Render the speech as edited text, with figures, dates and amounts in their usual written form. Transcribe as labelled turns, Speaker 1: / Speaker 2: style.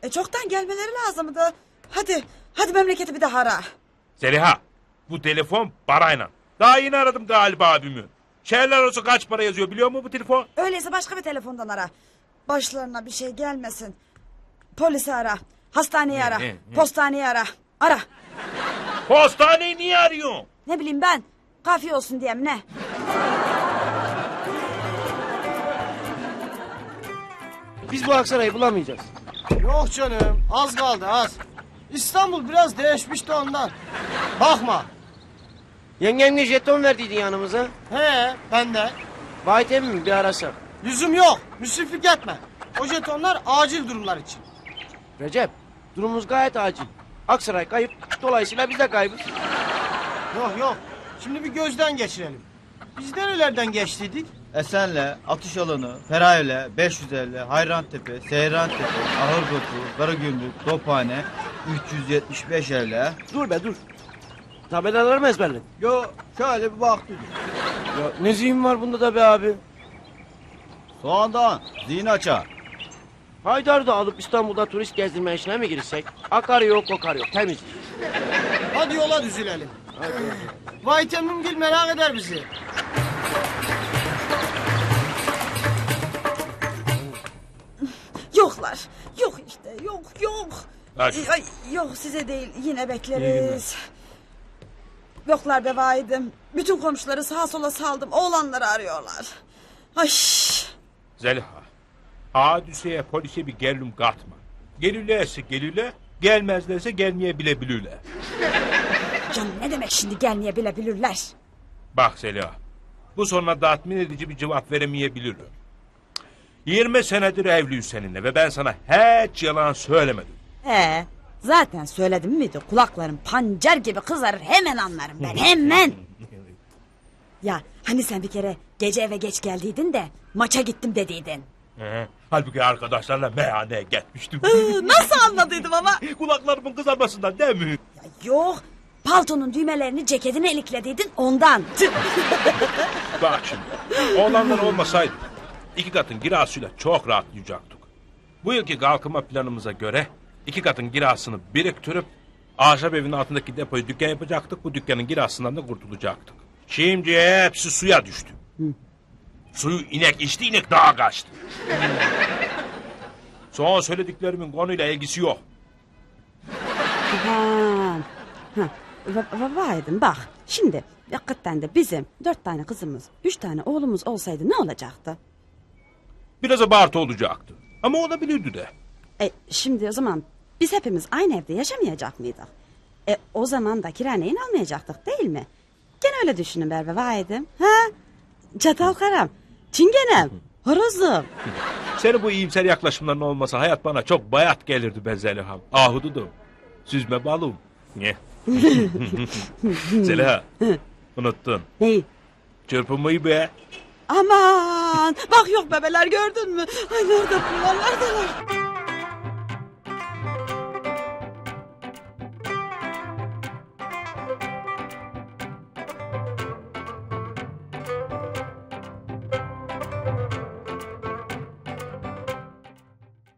Speaker 1: Çoktan gelmeleri lazımdı. Hadi memleketi bir daha ara.
Speaker 2: Zeliha, bu telefon parayla. Daha yeni aradım galiba abimi. Şehirler olsa kaç para yazıyor biliyor musun bu telefon?
Speaker 1: Öyleyse başka bir telefondan ara. Başlarına bir şey gelmesin. Polisi ara. Hastaneyi ara. Postaneyi ara. Ara.
Speaker 2: Postaneyi niye arıyorsun?
Speaker 1: Ne bileyim ben. Kafiye olsun diye mi ne?
Speaker 3: Biz bu Aksaray'ı bulamayacağız.
Speaker 4: Yok canım, az kaldı az. İstanbul biraz değişmiş de ondan. Bakma.
Speaker 3: Yengemle jeton verdiydin yanımıza.
Speaker 4: He, ben de.
Speaker 3: Vahit emmi mi bir arasak?
Speaker 4: Lüzum yok, müsriflik etme. O jetonlar acil durumlar için.
Speaker 3: Recep, durumumuz gayet acil. Aksaray kayıp, dolayısıyla biz de kaybız.
Speaker 4: Yok, şimdi bir gözden geçirelim. Biz nerelerden geçtiydik?
Speaker 5: Esenle, Atış Alanı, Ferayöle, 550, Hayrantepe, Seyrantepe, Ahırbotu, Karagümrük, Tophane, 375 evle.
Speaker 3: Dur be dur. Tabelaları mı ezberledin?
Speaker 5: Yo, şöyle bir baktık.
Speaker 3: Ya ne zihin var bunda da be abi.
Speaker 5: Soğandan, zihin açar.
Speaker 3: Haydar'ı da alıp İstanbul'da turist gezdirme işine mi girsek? Akar yok, kokar yok, temiz.
Speaker 4: Hadi yola düzülelim. Vay Temmimgil merak eder bizi.
Speaker 1: Yoklar. Yok işte. Yok.
Speaker 2: Hadi.
Speaker 1: Yok size değil. Yine bekleriz. Yoklar be vaidim. Bütün komşuları sağa sola saldım. Oğlanları arıyorlar. Ay.
Speaker 2: Zeliha, hadiseye polise bir gerilim katma. Gelirlerse gelirler, gelmezlerse gelmeyebilebilirler.
Speaker 1: Canım ne demek şimdi gelmeyebilirler.
Speaker 2: Bak Zeliha, bu soruna tatmin edici bir cevap veremeyebilirim. 20 senedir evliyiz seninle ve ben sana hiç yalan söylemedim.
Speaker 1: Zaten söyledim miydi? Kulaklarım pancar gibi kızarır. Hemen anlarım ben. Hemen. Ya hani sen bir kere gece eve geç geldiydin de maça gittim dediydin.
Speaker 2: Halbuki arkadaşlarla meyhaneye gitmiştim.
Speaker 1: Nasıl anladıydım ama?
Speaker 2: Kulaklarımın kızarmasından değil mi?
Speaker 1: Ya yok. Paltonun düğmelerini ceketine iliklediydin ondan.
Speaker 2: Bak şimdi, oğlanlar olmasaydı 2 katın kirasıyla çok rahatlayacaktık. Bu yılki kalkınma planımıza göre 2 katın kirasını biriktirip ahşap evinin altındaki depoyu dükkan yapacaktık. Bu dükkanın kirasından da kurtulacaktık. Şimdi hepsi suya düştü. Suyu inek içti, inek dağa kaçtı. Son söylediklerimin konuyla ilgisi yok.
Speaker 1: Vaydım bak. Şimdi hakikaten de bizim 4 tane kızımız 3 tane oğlumuz olsaydı ne olacaktı?
Speaker 2: Biraz abartı olacaktı. Ama olabilirdi de.
Speaker 1: Şimdi o zaman biz hepimiz aynı evde yaşamayacak mıydık? O zaman da kira neyin almayacaktık değil mi? Gene öyle düşünün Berbe vaydım. Çatal karam, çingenem, horozum.
Speaker 2: Senin bu iyimser yaklaşımların olmasa hayat bana çok bayat gelirdi be Zeliha'm. Ahududum. Süzme balım. Ne? Zeliha, unuttun.
Speaker 1: Neyi?
Speaker 2: Çırpınmayı be.
Speaker 1: Aman bak yok bebeler gördün mü? Ay nerede bunlar neredeler?